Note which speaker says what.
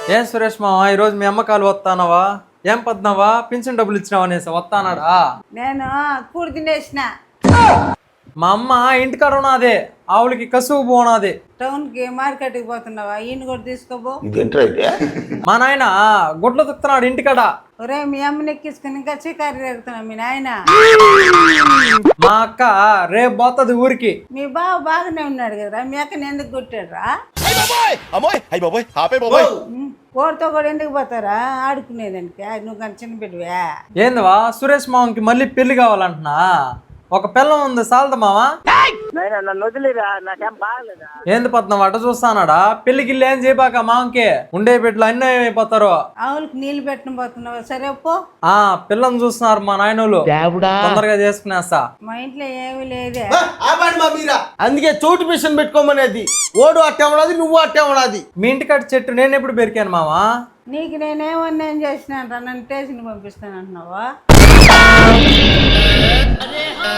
Speaker 1: ఏం సురేష్ మామ ఈరోజు మీ అమ్మకాలు వస్తానవా? ఏం పద్నావా? పింఛన్ డబ్బులు ఇచ్చినావా అనేసి వస్తానాడా?
Speaker 2: నేను కూడి తినేసిన.
Speaker 1: మా అమ్మ ఇంటికాడ ఉన్నదే, ఆవులకి కసువు పోనాది.
Speaker 2: టౌన్కి మార్కెట్కి పోతున్నావా? ఈయన కూడా తీసుకోబో.
Speaker 1: మా నాయన గుడ్లు తుక్కుతున్నాడు ఇంటికాడ.
Speaker 2: ఒరే మీ అమ్మని ఎక్కించుకుని ఇంకా చికారి ఎడుతున్నా మీ నాయన.
Speaker 1: మా అక్క రేపు పోతుంది ఊరికి.
Speaker 2: మీ బావ బాగానే ఉన్నాడు కదరా, మీ అక్కని ఎందుకు కొట్టాడురా? కోరితో కూడా ఎందుకు పోతారా ఆడుకునేదానికి? నువ్వు కానీ చిన్న బిడ్డవే.
Speaker 1: ఏందివా సురేష్ మామకి మళ్ళీ పెళ్లి కావాలంటున్నా? ఒక పిల్లం ఉంది సాలదా మావా? ఏంది పద్నం అట చూస్తానాడా? పెళ్లికి ఏం చేయబాక మామకి, ఉండే బిడ్డలు అన్నీ అయిపోతారు.
Speaker 2: ఆవులకి నీళ్లు పెట్టిన పోతున్నావా? సరే పో.
Speaker 1: పిల్లని చూస్తున్నారు మా నాయనోళ్ళు, తొందరగా చేసుకునేస్తా.
Speaker 2: మా ఇంట్లో ఏమీ లేదే.
Speaker 3: అందుకే చోటు మిషన్ పెట్టుకోమనేది. ఓడు అట్టే ఉన్నది, నువ్వు అట్టే ఉన్నది.
Speaker 1: మీ ఇంటికాడ చెట్టు నేను ఎప్పుడు పెరికాను మావా?
Speaker 2: నీకు నేనేమన్నా ఏం చేసినాను రా? నన్ను స్టేషన్కి పంపిస్తాను అంటున్నావా?